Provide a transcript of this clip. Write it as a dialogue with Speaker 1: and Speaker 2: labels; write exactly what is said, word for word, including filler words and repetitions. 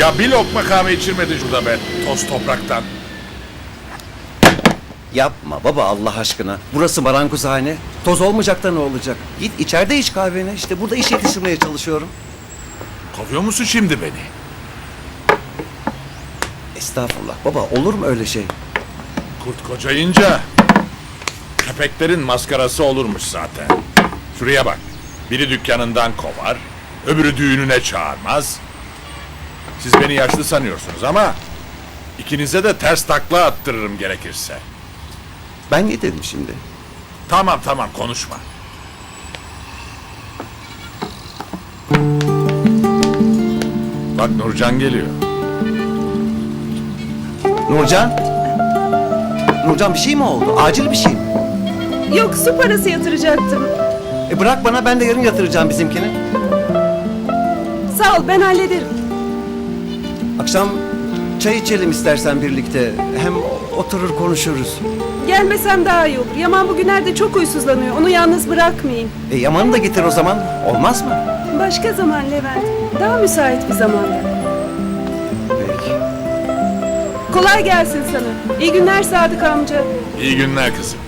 Speaker 1: Ya bir lokma kahve içirmedi şurada be, toz topraktan.
Speaker 2: Yapma baba Allah aşkına. Burası marangozhane. Toz olmayacak da ne olacak? Git içeride iç kahveni. İşte burada iş yetiştirmeye çalışıyorum.
Speaker 1: Kovuyor musun şimdi beni?
Speaker 2: Estağfurullah baba, olur mu öyle şey?
Speaker 1: Kurt kocayınca köpeklerin maskarası olurmuş zaten. Şuraya bak. Biri dükkanından kovar, öbürü düğününe çağırmaz. Siz beni yaşlı sanıyorsunuz ama ikinize de ters takla attırırım gerekirse.
Speaker 2: Ben ne dedim şimdi?
Speaker 1: Tamam tamam konuşma. Bak Nurcan geliyor.
Speaker 2: Nurcan? Nurcan bir şey mi oldu? Acil bir şey mi?
Speaker 3: Yok, su parası yatıracaktım.
Speaker 2: E bırak bana, ben de yarın yatıracağım bizimkini.
Speaker 3: Sağ ol, ben hallederim.
Speaker 2: Akşam çay içelim istersen birlikte. Hem oturur konuşuruz.
Speaker 3: Gelmesem daha iyi olur. Yaman bugünlerde çok huysuzlanıyor. Onu yalnız bırakmayayım.
Speaker 2: E Yaman'ı da getir o zaman. Olmaz mı?
Speaker 3: Başka zaman Levent. Daha müsait bir zamanda.
Speaker 2: Peki.
Speaker 3: Kolay gelsin sana. İyi günler Sadık amca.
Speaker 1: İyi günler kızım.